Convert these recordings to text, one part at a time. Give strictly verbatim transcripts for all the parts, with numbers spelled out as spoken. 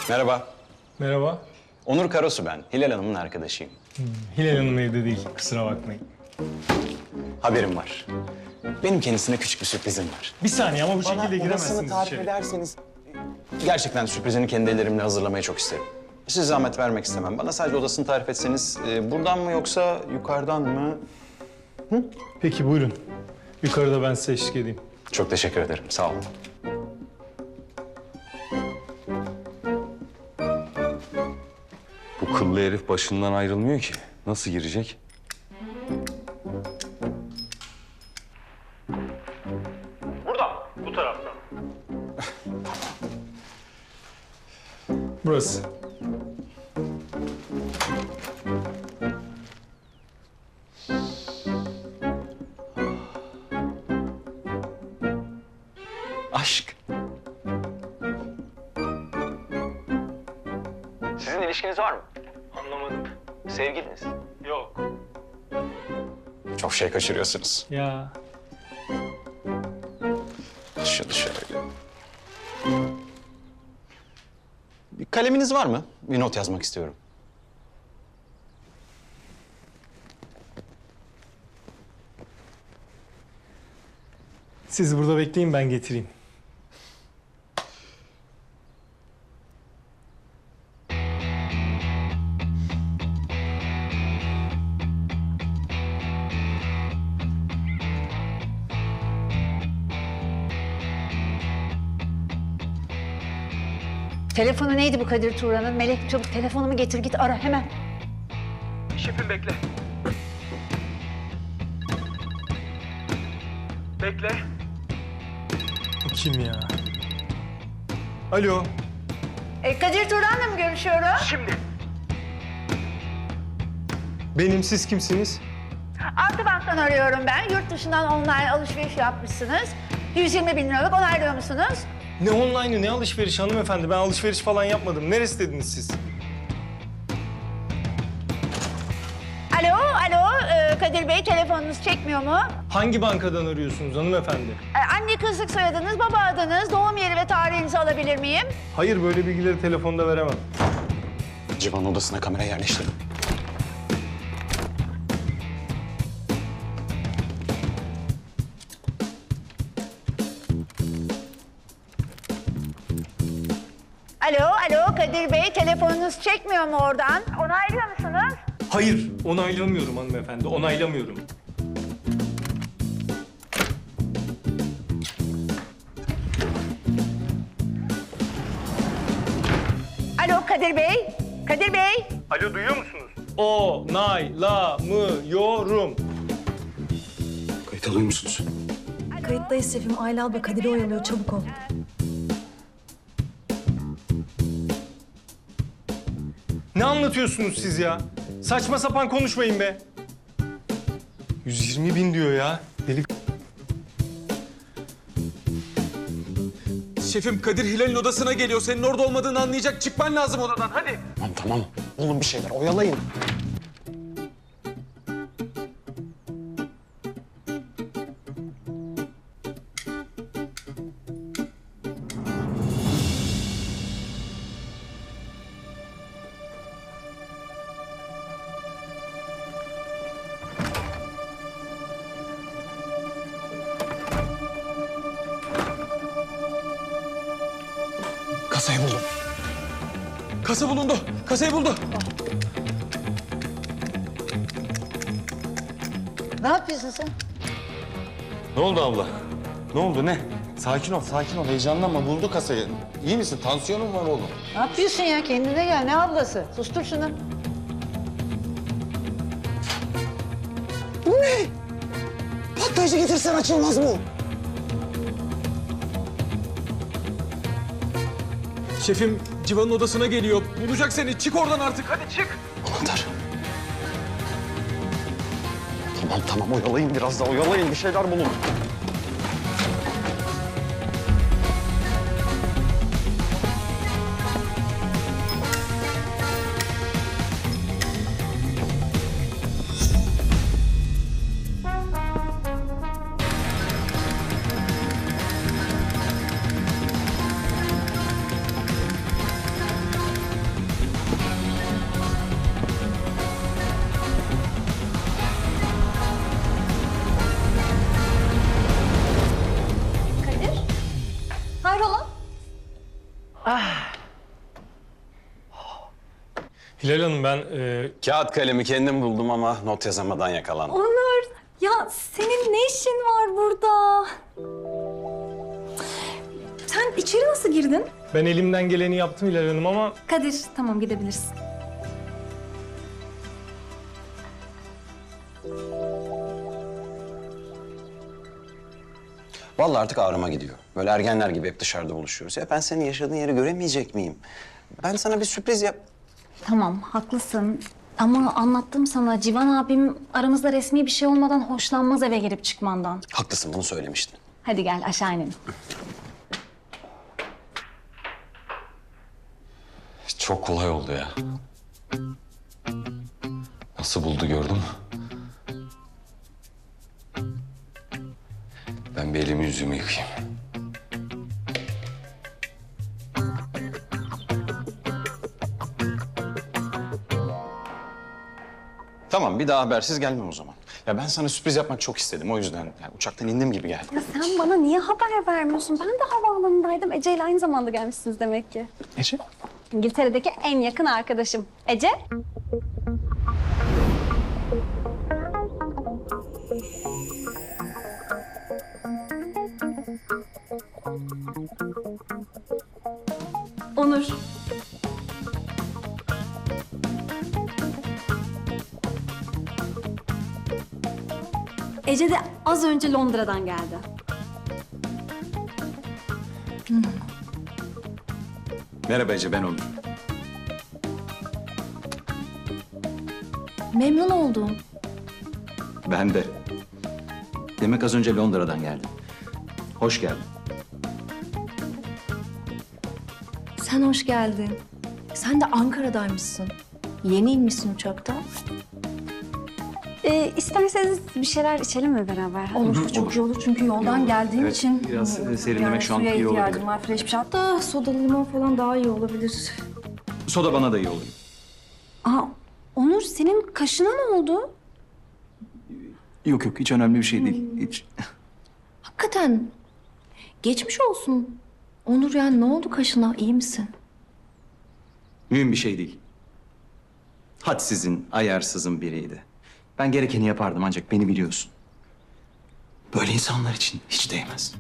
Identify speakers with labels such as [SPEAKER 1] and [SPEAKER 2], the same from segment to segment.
[SPEAKER 1] Merhaba.
[SPEAKER 2] Merhaba.
[SPEAKER 1] Onur Karasu ben. Hilal Hanım'ın arkadaşıyım.
[SPEAKER 2] Hmm, Hilal Hanım evde değil, kusura bakmayın.
[SPEAKER 1] Haberim var. Benim kendisine küçük bir sürprizim var.
[SPEAKER 2] Bir saniye ama bu şekilde
[SPEAKER 1] Bana
[SPEAKER 2] giremezsiniz
[SPEAKER 1] odasını tarif
[SPEAKER 2] içeri.
[SPEAKER 1] ederseniz... Gerçekten sürprizini kendi ellerimle hazırlamayı çok isterim. Size zahmet vermek istemem. Bana sadece odasını tarif etseniz... e, buradan mı yoksa yukarıdan mı?
[SPEAKER 2] Peki buyurun. Yukarıda ben size eşlik edeyim.
[SPEAKER 1] Çok teşekkür ederim. Sağ olun.
[SPEAKER 3] Bu kıllı herif başından ayrılmıyor ki. Nasıl girecek?
[SPEAKER 2] Buradan, bu taraftan. Burası.
[SPEAKER 1] Aşk. Sizin ilişkiniz var mı?
[SPEAKER 2] Anlamadım.
[SPEAKER 1] Sevgiliniz.
[SPEAKER 2] Yok.
[SPEAKER 1] Çok şey kaçırıyorsunuz.
[SPEAKER 2] Ya.
[SPEAKER 1] Şunu şöyle. Bir kaleminiz var mı? Bir not yazmak istiyorum.
[SPEAKER 2] Siz burada bekleyin, ben getireyim.
[SPEAKER 4] Telefonu neydi bu Kadir Turan'ın? Melek çabuk telefonumu getir git ara hemen.
[SPEAKER 5] Şefim bekle. Bekle.
[SPEAKER 2] Bu kim ya? Alo.
[SPEAKER 4] E, Kadir Turan'la mı görüşüyorum?
[SPEAKER 5] Şimdi.
[SPEAKER 2] Benim, siz kimsiniz?
[SPEAKER 4] Akbank'tan arıyorum ben. Yurt dışından online alışveriş yapmışsınız. yüz yirmi bin liralık onaylıyor musunuz?
[SPEAKER 2] Ne online'ı, ne alışveriş hanımefendi? Ben alışveriş falan yapmadım. Neresi dediniz siz?
[SPEAKER 4] Alo, alo e, Kadir Bey telefonunuz çekmiyor mu?
[SPEAKER 2] Hangi bankadan arıyorsunuz hanımefendi?
[SPEAKER 4] E, anne kızlık soyadınız, baba adınız, doğum yeri ve tarihinizi alabilir miyim?
[SPEAKER 2] Hayır, böyle bilgileri telefonda veremem.
[SPEAKER 1] Civan odasına kamera yerleştirdim.
[SPEAKER 4] Alo, alo Kadir Bey telefonunuz çekmiyor mu oradan? Onaylıyor musunuz?
[SPEAKER 2] Hayır, onaylamıyorum hanımefendi, onaylamıyorum.
[SPEAKER 4] Alo Kadir Bey, Kadir Bey.
[SPEAKER 2] Alo, duyuyor musunuz? Onaylamıyorum.
[SPEAKER 1] Kayıt alıyor musunuz?
[SPEAKER 6] Kayıttayız şefim. Ayla abla Kadir'i oyalıyor. Çabuk ol.
[SPEAKER 2] Ne anlatıyorsunuz siz ya? Saçma sapan konuşmayın be. yüz yirmi bin diyor ya. Deli.
[SPEAKER 5] Şefim Kadir Hilal'in odasına geliyor. Senin orada olmadığını anlayacak. Çıkman lazım odadan. Hadi.
[SPEAKER 1] Tamam tamam. Bulun bir şeyler. Oyalayın. Kasayı buldum.
[SPEAKER 5] Kasa bulundu. Kasayı buldu.
[SPEAKER 4] Ne yapıyorsun sen?
[SPEAKER 3] Ne oldu abla? Ne oldu ne? Sakin ol, sakin ol. Heyecanlanma. Buldu kasayı. İyi misin? Tansiyonun var oğlum.
[SPEAKER 4] Ne yapıyorsun ya? Kendine gel. Ne ablası? Sustur şunu.
[SPEAKER 1] Patlayıcı getirsen açılmaz mı?
[SPEAKER 5] Şefim Civan'ın odasına geliyor. Bulacak seni. Çık oradan artık. Hadi çık.
[SPEAKER 1] Anahtar. Tamam tamam oyalayın biraz daha oyalayın. Bir şeyler bulun.
[SPEAKER 2] Hilal Hanım ben... E...
[SPEAKER 1] Kağıt kalemi kendim buldum ama not yazamadan yakalandım.
[SPEAKER 6] Onur, ya senin ne işin var burada? Sen içeri nasıl girdin?
[SPEAKER 2] Ben elimden geleni yaptım Hilal Hanım ama...
[SPEAKER 6] Kadir, tamam gidebilirsin.
[SPEAKER 1] Vallahi artık ağrıma gidiyor. Böyle ergenler gibi hep dışarıda buluşuyoruz. Ya ben senin yaşadığın yeri göremeyecek miyim? Ben sana bir sürpriz yap...
[SPEAKER 7] Tamam, haklısın. Ama anlattım sana, Civan abim aramızda resmi bir şey olmadan hoşlanmaz eve girip çıkmandan.
[SPEAKER 1] Haklısın, bunu söylemiştin.
[SPEAKER 7] Hadi gel aşağı inelim.
[SPEAKER 3] Çok kolay oldu ya. Nasıl buldu gördün mü? Ben bir elimi yüzümü yıkayayım.
[SPEAKER 1] Tamam, bir daha habersiz gelmem o zaman. Ya ben sana sürpriz yapmak çok istedim, o yüzden. Yani uçaktan indim gibi geldi.
[SPEAKER 7] Ya sen bana niye haber vermiyorsun? Ben de havaalanındaydım. Ece ile aynı zamanda gelmişsiniz demek ki.
[SPEAKER 1] Ece?
[SPEAKER 7] İngiltere'deki en yakın arkadaşım. Ece?
[SPEAKER 6] Onur.
[SPEAKER 7] Ece de az önce Londra'dan geldi.
[SPEAKER 1] Merhaba Ece, ben Onur.
[SPEAKER 7] Memnun oldum.
[SPEAKER 1] Ben de. Demek az önce Londra'dan geldim. Hoş geldin.
[SPEAKER 6] Sen hoş geldin. Sen de Ankara'daymışsın. Yeni inmişsin uçaktan.
[SPEAKER 7] Ee, isterseniz bir şeyler içelim mi beraber?
[SPEAKER 6] Olur, çok iyi olur çünkü yoldan geldiğim
[SPEAKER 1] Evet,
[SPEAKER 6] için...
[SPEAKER 1] biraz,
[SPEAKER 6] e,
[SPEAKER 1] e, serinlemek şu an
[SPEAKER 6] suya
[SPEAKER 1] iyi olabilir.
[SPEAKER 6] ihtiyacım var, fresh bir şey. Hatta sodalı limon falan daha iyi olabilir.
[SPEAKER 1] Soda bana da iyi olur.
[SPEAKER 7] Aa, Onur senin kaşına ne oldu?
[SPEAKER 1] Yok yok, hiç önemli bir şey değil. Hiç.
[SPEAKER 6] Hakikaten geçmiş olsun. Onur, yani ne oldu kaşına, iyi misin?
[SPEAKER 1] Mühim bir şey değil. Hadsizin, ayarsızın biriydi. Ben gerekeni yapardım ancak beni biliyorsun. Böyle insanlar için hiç değmez.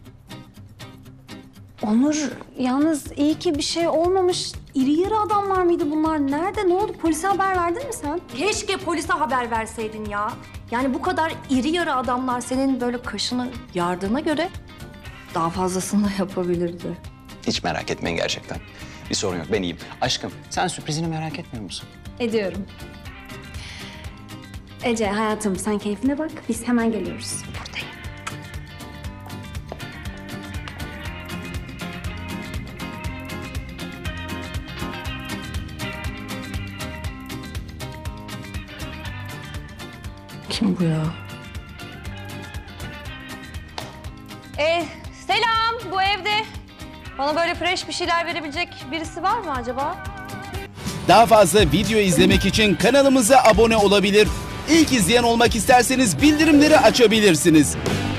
[SPEAKER 7] Onur yalnız iyi ki bir şey olmamış. İri yarı adamlar mıydı bunlar? Nerede? Ne oldu? Polise haber verdin mi sen?
[SPEAKER 6] Keşke polise haber verseydin ya. Yani bu kadar iri yarı adamlar senin böyle kaşını yardığına göre daha fazlasını da yapabilirdi.
[SPEAKER 1] Hiç merak etmeyin gerçekten. Bir sorun yok, ben iyiyim. Aşkım, sen sürprizini merak etmiyor musun?
[SPEAKER 7] Ediyorum. Ece hayatım sen keyfine bak. Biz hemen geliyoruz. Buradayım.
[SPEAKER 6] Kim bu ya?
[SPEAKER 8] Ee, selam, bu evde bana böyle fresh bir şeyler verebilecek birisi var mı acaba?
[SPEAKER 9] Daha fazla video izlemek için kanalımıza abone olabilir. İlk izleyen olmak isterseniz bildirimleri açabilirsiniz.